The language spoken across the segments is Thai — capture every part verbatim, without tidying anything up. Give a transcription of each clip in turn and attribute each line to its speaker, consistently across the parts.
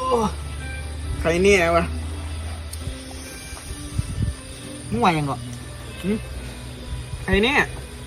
Speaker 1: ใครเนี่ยวะ
Speaker 2: มึงว่ายังก่อน
Speaker 1: ใครเนี่ย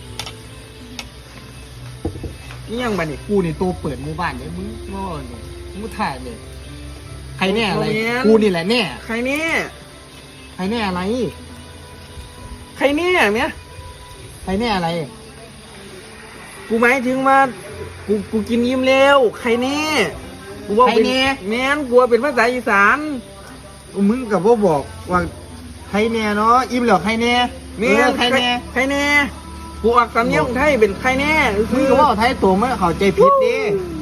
Speaker 1: นี่ยังบันนี่
Speaker 2: กูนี่ตัวเปิดหมู่บ้านเนี่ยมึงง้อเนี่ยมึงถ่ายเลยใครแน่อะไรกูนี่แหละแน่
Speaker 1: ใครเนี่ย
Speaker 2: ใครแน่อะไร
Speaker 1: ใครเนี่ยเนี่ย
Speaker 2: ใครแน่อะไร
Speaker 1: กูหมายถึงมากูกูกินยิ้มแล้วใครเนี่ยกูว่าเป็นแม่นกูว่าเป็นภาษาอีสาน
Speaker 2: มึงกับว่าบอกว่าใครแน่เนาะอิ่มเหรอใครแน่
Speaker 1: แม่นใครแน่ใครแน่กูออกสำเนียงไทยเป็นใครแน่
Speaker 2: มึงก็ว่าไทยตัวไม่เข้าใจผิดดิ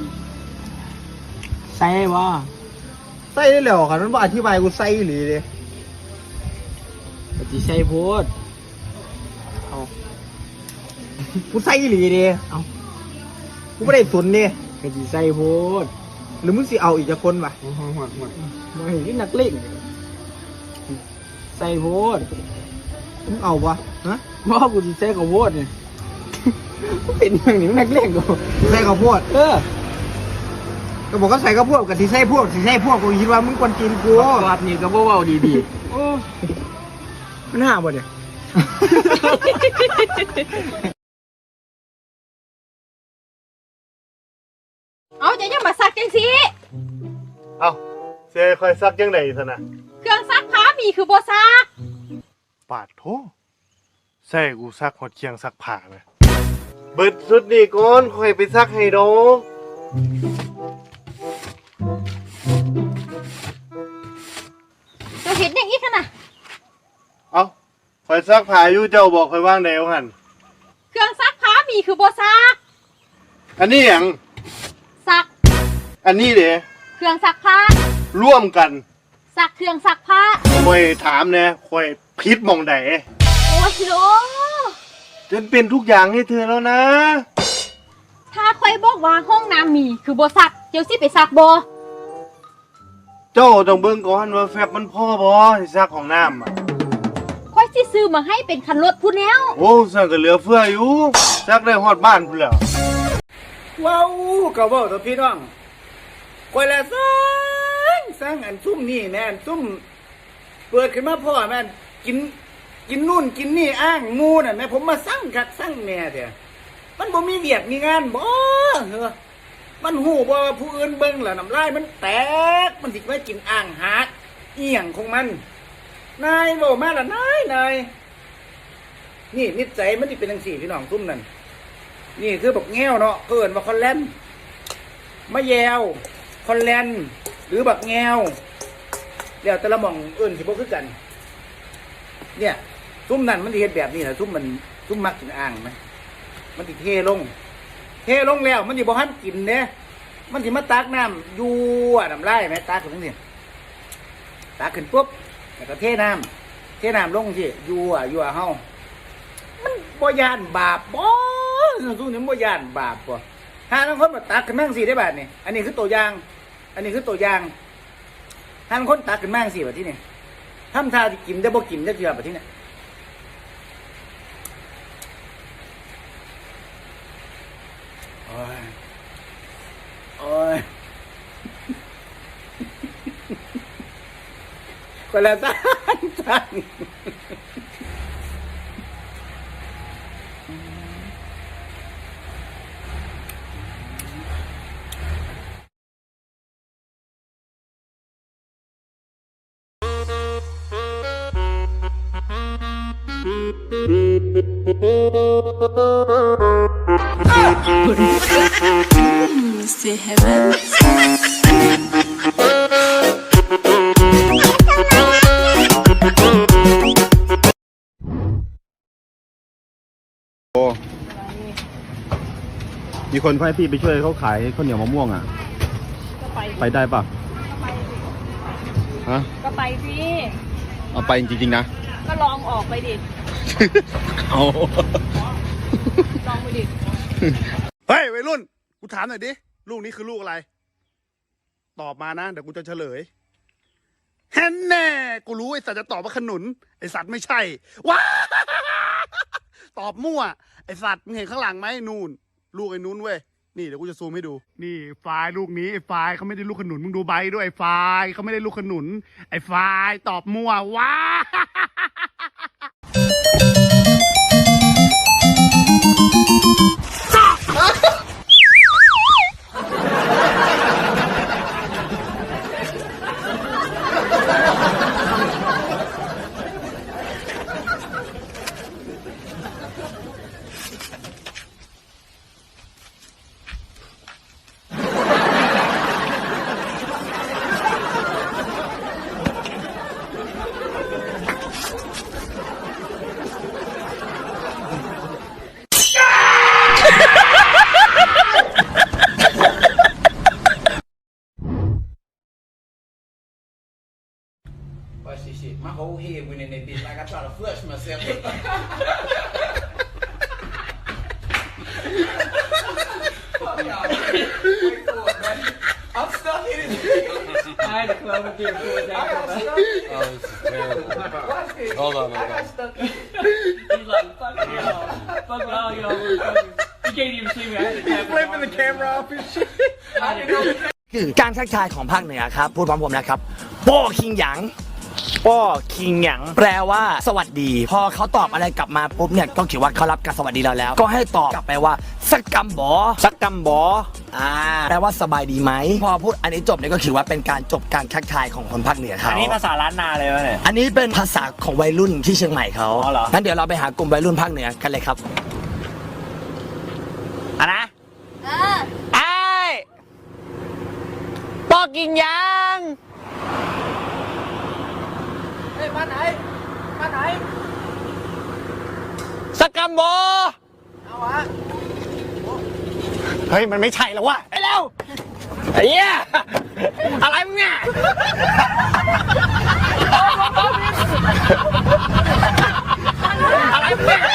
Speaker 2: ใส่บ่ใส่ได้แล้วครับมันบ่อธิบายกูใส่หรือดิ
Speaker 1: ปฏิใส่โพด
Speaker 2: เอากูใส่หรือดิเอากูไม่ได้สนดิ
Speaker 1: ปฏิใส่โพด
Speaker 2: หรือมึงสิเอาอีกจะคนป่ะ
Speaker 1: หมดหมดมาเห็นที่นักเล่นใส่โพด
Speaker 2: มึงเอาวะฮะ
Speaker 1: ว่ากูจะใส่ข้าวโพดเนี่ยเป็นอย่างนี้นักเล่นกู
Speaker 2: ใส่ข้าวโพด
Speaker 1: เออ
Speaker 2: ก็บอกก็ใส่ข้าวโพดกับที่ใส่พวกที่ใส่พวกกูคิดว่ามึงควรกินกู
Speaker 1: วัดนี่ก็บ่เว้าดีๆโอ้มันห่าบ่เนี่ย
Speaker 3: เอาจะยังมาซักจังสิ
Speaker 4: เอาเซ่คอยซักยังไงซะนะ
Speaker 3: เครื่องซักผ้ามีคือบ่ซัก
Speaker 4: ปาดโถใส่กูซักหดเคียงซักผ้าเลยเบิดสุดนี่ก่อนค่อยไปซักให้ดอก
Speaker 3: เราเห็นอย่างนี้ขนาด
Speaker 4: เอาคอยซักผ้าอยู่เจ้าบอกคอยว่างแนวหัน
Speaker 3: เครื่องซักผ้ามีคือบ่ซัก
Speaker 4: อันนี้อย่าง
Speaker 3: ซัก
Speaker 4: อันนี้เด้
Speaker 3: เครื่องซักผ้า
Speaker 4: ร่วมกัน
Speaker 3: ซักเครื่องซักผ้า
Speaker 4: คอยถามเนี่ยคอยพิษมองไหน
Speaker 3: โอ้ยโล
Speaker 4: ฉันเป็นทุกอย่างให้เธอแล้วนะ
Speaker 3: ถ้าคอยบอกว่าห้องน้ำมีคือบ่ซักเจ้าสิไปซักบ่
Speaker 4: เจ้าต้องเบิ่งก่อนว่าแฟบมันพ่อบ่ให้ซักของน้ำอ่ะ
Speaker 3: คอยสิซื้อมาให้เป็นคันรถพูดแล้ว
Speaker 4: โอ้ซักก็เหลือเฟืออยู่ซักได้ฮอดบ้านพุ่นแล้ว
Speaker 1: ว้าวก็เว้าต่อพี่น้องคอยละซังซังอันซุ่มนี่แม่นซุ่มเปิดขึ้นมาพ่อแม่นกินกินนู่นกินนี่อ้างมูน่ะแม่ผมมาสั่งคักสั่งแม่เด้อมันบ่มีเวียกมีงานบ่เหรอมันหูบ่ว่าผู้อื่นเบิ่งแล้วน้ำลายมันแตกมันสิไปกินอ่างหากเอียงของมันนายบ่มาละนายนายนี่นิสัยมันสิเป็นจังซี่พี่น้องซุ่มนั่นนี่คือบักแง้วเนาะเอิ้นว่าคอนแลนมะแยวคอนแลนหรือบักแง้วแล้วแต่ละหม่องเอิ้นสิบ่คือกันเนี่ยซุ่มนั่นมันสิเฮ็ดแบบนี้แหละซุ่มมันซุ่มมักกินอ่างมั้ยมันสิเทลงเทลงแล้วมันสิบ่ทันกินเด้มันสิมาตักน้ำยั่วน้ำลายแม่ตักขึ้นจังซี่ตักขึ้นปุ๊บแล้วก็เทน้ำเทน้ำลงสิยั่วยั่วเฮามันบ่ย่านบาปบ่ซุ่มนี่บ่ย่านบาปบ่ถ้าบางคนมาตักขึ้นมาจังซี่ได้บาดนี่อันนี้คือตัวอย่างอันนี้คือตัวอย่างถ้าบางคนตักขึ้นมาจังซี่บัดนี้นี่ทำท่าที่กินได้บ่กินได้เทื่อบัดนี้เนี่ยโอ้ยโอ้ยคนละท่านท่าน
Speaker 5: C'est heaven.
Speaker 4: โอ้มีคนให้พี่ไปช่วยเขาขายข้าวเหนียวมะม่วงอ่ะก็ไปไปได้ปะฮะ
Speaker 3: ก็ไปสิ
Speaker 4: เอาไปจริงๆนะ
Speaker 3: ก็ลองออกไปดิ
Speaker 4: เอา
Speaker 3: ลองไปดิ
Speaker 4: เฮ้ยวัยรุ่นกูถามหน่อยดิลูกนี้คือลูกอะไรตอบมานะเดี๋ยวกูจะเฉลยแฮนแน่กูรู้ไอ้สัตว์จะตอบว่าขนุนไอ้สัตว์ไม่ใช่ว้าตอบมั่วไอ้สัตว์มึงเห็นข้างหลังไหมนู่นลูกไอ้นู้นเว้ยนี่เดี๋ยวกูจะซูมให้ดู นี่ไฟล์ลูกนี้ไอ้ไฟล์เขาไม่ได้ลูกขนุนมึงดูใบด้วยไอ้ไฟล์เขาไม่ได้ลูกขนุนไอ้ไฟล์ตอบมั่วว้า
Speaker 2: But shit, shit, my whole head went in that bitch like I tried to flush myself. Fuck y'all. Wait for it, man. I'm stuck in it. I had to close the door for it. I got stuck in it.
Speaker 6: Oh, this is terrible.
Speaker 2: Watch this.
Speaker 6: Hold on,
Speaker 2: I
Speaker 6: hold
Speaker 2: got
Speaker 6: on.
Speaker 2: stuck in it.
Speaker 7: He's like, fuck y'all. Fuck all y'all motherfuckers. You can't even see me. I had to tap
Speaker 2: Flipping the camera off and shit. I didn't know.
Speaker 8: คือการทักทายของภาคเหนือครับ พูดพร้อมผมนะครับป้อคิงหยางป้อคิงหยางแปลว่าสวัสดี พอเขาตอบอะไรกลับมาปุ๊บเนี่ยก็คิดว่าเขารับการสวัสดีเราแล้ว ก็ให้ตอบกลับไปว่าสักกำบอสักกำบออ่าแปลว่าสบายดีไหมพอพูดอันนี้จบเนี่ยก็ถือว่าเป็นการจบการทักทายของคนภาคเหนือเขา
Speaker 7: อันนี้ภาษาล้านนาเลยวะเนี่ย
Speaker 8: อันนี้เป็นภาษาของวัยรุ่นที่เชียงใหม่เขา
Speaker 7: อ๋อเหรอ
Speaker 8: งั้นเดี๋ยวเราไปหากลุ่มวัยรุ่นภาคเหนือกันเลยครับอ่ะนะไอ้ปอกินยังเฮ้ยมาไหนมาไหนสกัมโบเอาวะเฮ้ยมันไม่ใช่แล้ววะไอ้เร็วไอ้เหี้ยอะไรมึงเนี่ยอะไรมึงเนี่ย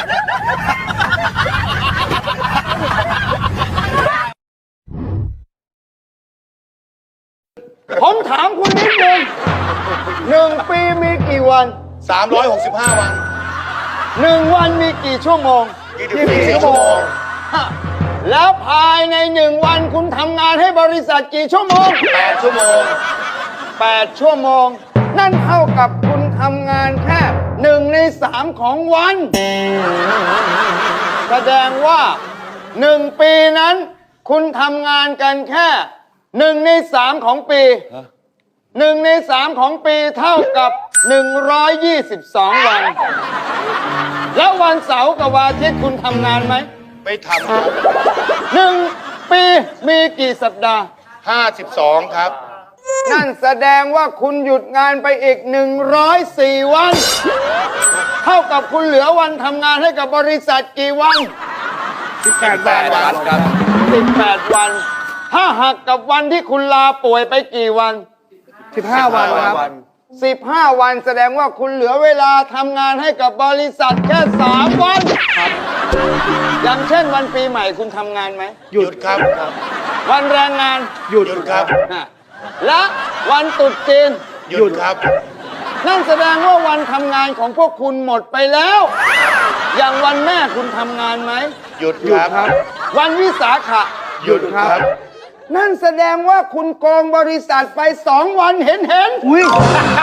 Speaker 8: ผมถามคุณนิดนึงหนึ่งปีมีกี่วัน
Speaker 4: สามร้อยหกสิบห้าวัน
Speaker 8: หนึ่งวันมีกี่ชั่วโมง
Speaker 4: ยี่สิบสี่ชั่วโมง
Speaker 8: ฮะแล้วภายในหนึ่งวันคุณทำงานให้บริษัทกี่ชั่วโมง
Speaker 4: แปดชั่วโมง
Speaker 8: แปดชั่วโมง นั่นเท่ากับคุณทำงานแค่หนึ่งในสามของวัน แสดงว่าหนึ่งปีนั้น คุณทำงานกันแค่หนึ่งในสามของปีหนึ่งในสามของปีเท่ากับหนึ่งร้อยยี่สิบสองวัน แล้ววันเสาร์กับวันอาทิตย์คุณทำงานไหม
Speaker 4: ไม่ท
Speaker 8: หนึ่งปีมีกี่สัปดาห์
Speaker 4: ำห้าสิบสองครับ
Speaker 8: นั่นแสดงว่าคุณหยุดงานไปอีกหนึ่งร้อยสี่วัน เท่ากับคุณเหลือวันทำงานให้กับบริษัทกี่วัน
Speaker 4: สิบแปดวันครับ
Speaker 8: สิบแปดวัน ถ้าหักกับวันที่คุณลาป่วยไปกี่วัน
Speaker 4: สิบห้าวันครับ
Speaker 8: สิบห้าวันแสดงว่าคุณเหลือเวลาทำงานให้กับบริษัทแค่สามวันอย่างเช่นวันปีใหม่คุณทำงานไหม
Speaker 4: หยุดครับ
Speaker 8: วันแรงงาน
Speaker 4: หยุดครับ
Speaker 8: ฮะและวันตรุษจีน
Speaker 4: หยุดครับ
Speaker 8: นั่นแสดงว่าวันทำงานของพวกคุณหมดไปแล้ว อย่างวันแม่คุณทำงานไหม
Speaker 4: หยุดครับ
Speaker 8: วันวิสาขะ
Speaker 4: หยุดครับ
Speaker 8: นั่นแสดงว่าคุณโกงบริษัทไปสองวันเห็นเห็นอุ้ย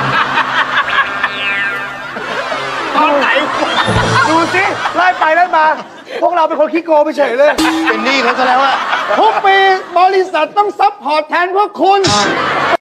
Speaker 1: ตอนไหน ดูสิไล่ไปไล่มา พวกเราเป็นคนขี้โกงไปเฉยเลย
Speaker 4: เป็นหนี้เขาซะแล้วอะ
Speaker 8: ทุกปีบริษัทต้องซัพพอร์ตแทนพวกคุณ